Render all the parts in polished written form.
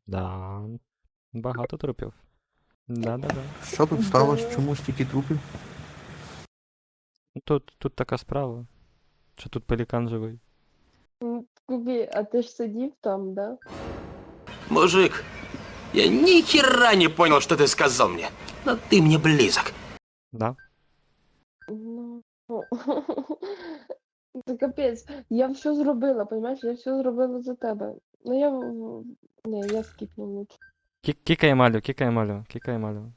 Да. Багато трупів. Да-да-да. Що тут сталося? Чому стільки трупів? Тут така справа, що тут пелікан живий. Кубі, а ти ж сидів там, да? Мужик, я ни хера не понял, что ты сказал мне. Но ты мне близок. Да? Ну. Це капець. Я все зробила, понімаєш? Я все зробила за тебе. Ну я. Не, я скіпну лучше. Кікай малю.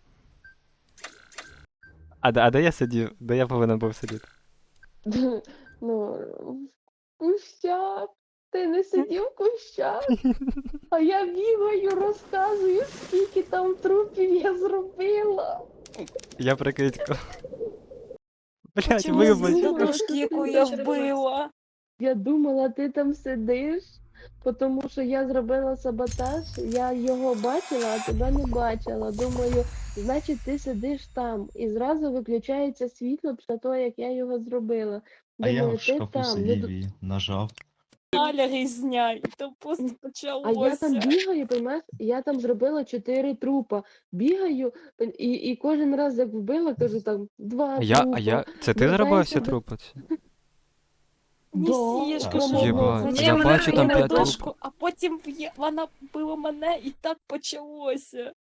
А де я сидів? Де я повинен був сидіти? Ну, в кущах. Ти не сидів в кущах, а я бігаю, розказую, скільки там трупів я зробила. Я прикидько. Блять, Чому вибач. знову? Дочки, яку я вбила. Я думала, ти там сидиш, тому що я зробила саботаж, я його бачила, а тебе не бачила. Думаю, значить ти сидиш там. І зразу виключається світло після того, як я його зробила. А я Думаю, в ти шкафу там. сидів і нажав. Галя різня, і то просто А я там почалося. бігаю, понимаєш, я там зробила 4 трупа. Бігаю, і кожен раз, як вбила, кажу там 2 трупа. Це ти зробив всі Вертаюся до- трупи? Да, Несішка, Так, що єбать, зачем я вона бачу там кинула 5 дошку, а потім вона била мене, і так почалося.